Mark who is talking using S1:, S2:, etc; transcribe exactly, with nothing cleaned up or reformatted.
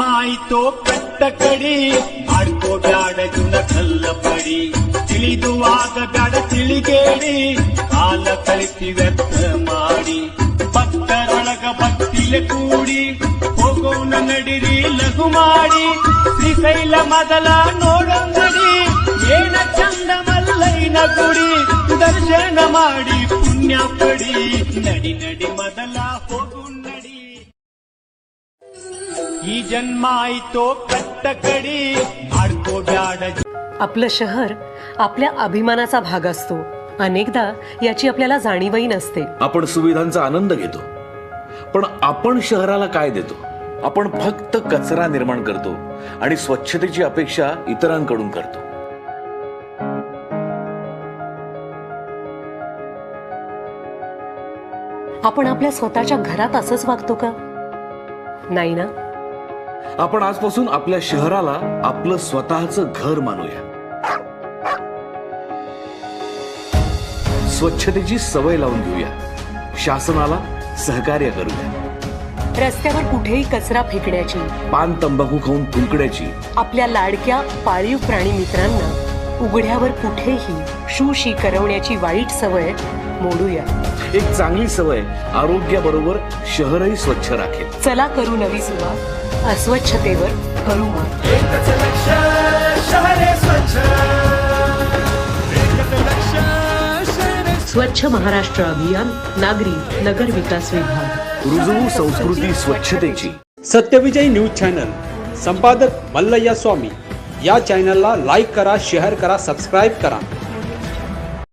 S1: ಜನ್ಮಾಯಿತೋ ಕಟ್ಟ ಕಡಿ ಮಾಡ್ಕೋ ಬ್ಯಾಡ ಜುನ ಕಲ್ಲ ಪಡಿ ತಿಳಿದುವಾಗ ಬ್ಯಾಡ ತಿಳಿಗೇಡಿ ಕಾಲ ಕಳಿಸಿ ವ್ಯರ್ಥ ಮಾಡಿ ಭಕ್ತರೊಳಗ ಭಕ್ತಿಲೆ ಕೂಡಿ ಹೋಗೋಣ ನಡಿರಿ ಲಘು ಮಾಡಿ ಶ್ರೀಶೈಲ ಮೊದಲ ನೋಡಂಗಡಿ ಏನ ಚಂದ ಮಲ್ಲೈನ ಗುಡಿ ದರ್ಶನ ಮಾಡಿ ಪುಣ್ಯ ಪಡಿ ನಡಿ ನಡಿ ಮೊದಲ ಹೋಗು ನಡಿ ಈ ಜನ್ಮ ಆಯ್तो कट्ट कडी ಮಾಡ್ಕೋ ಬ್ಯಾಡ.
S2: आपलं शहर आपल्या अभिमानाचा भाग असतो. अनेकदा याची आपल्याला जाणीवही नसते.
S3: आपण सुविधांचा आनंद घेतो, पण आपण शहराला काय देतो? आपण फक्त कचरा निर्माण करतो आणि स्वच्छतेची अपेक्षा इतरांकडून करतो.
S2: आपण आपल्या स्वतःच्या घरात असंच वागतो का? नाही ना.
S3: आपण आजपासून आपल्या शहराला आपलं स्वतःचं घर मानूया. स्वच्छतेची सवय लावून घेऊया. शासनाला सहकार्य करूया.
S2: रस्त्यावर कुठेही कचरा फेकण्याची,
S3: पान तंबाखू खाऊन थुंकण्याची,
S2: आपल्या लाडक्या पाळीव प्राणी मित्रांना उघड्यावर कुठेही शूशी करवण्याची वाईट सवय मोडूया.
S3: एक चांगली सवय आरोग्याबरोबर शहरही स्वच्छ राखेल.
S2: चला करू नवी सुरुवात. अस्वच्छतेवर करू मात.
S1: एकच लक्ष शहरे स्वच्छ, एकच लक्ष शहरे
S2: स्वच्छ महाराष्ट्र अभियान, नागरी नगर विकास विभाग.
S3: रुजवू संस्कृती स्वच्छतेची.
S4: सत्यविजय न्यूज चॅनल, संपादक मल्लय्या स्वामी. या चॅनलला लाईक करा, शेअर करा, सबस्क्राईब करा.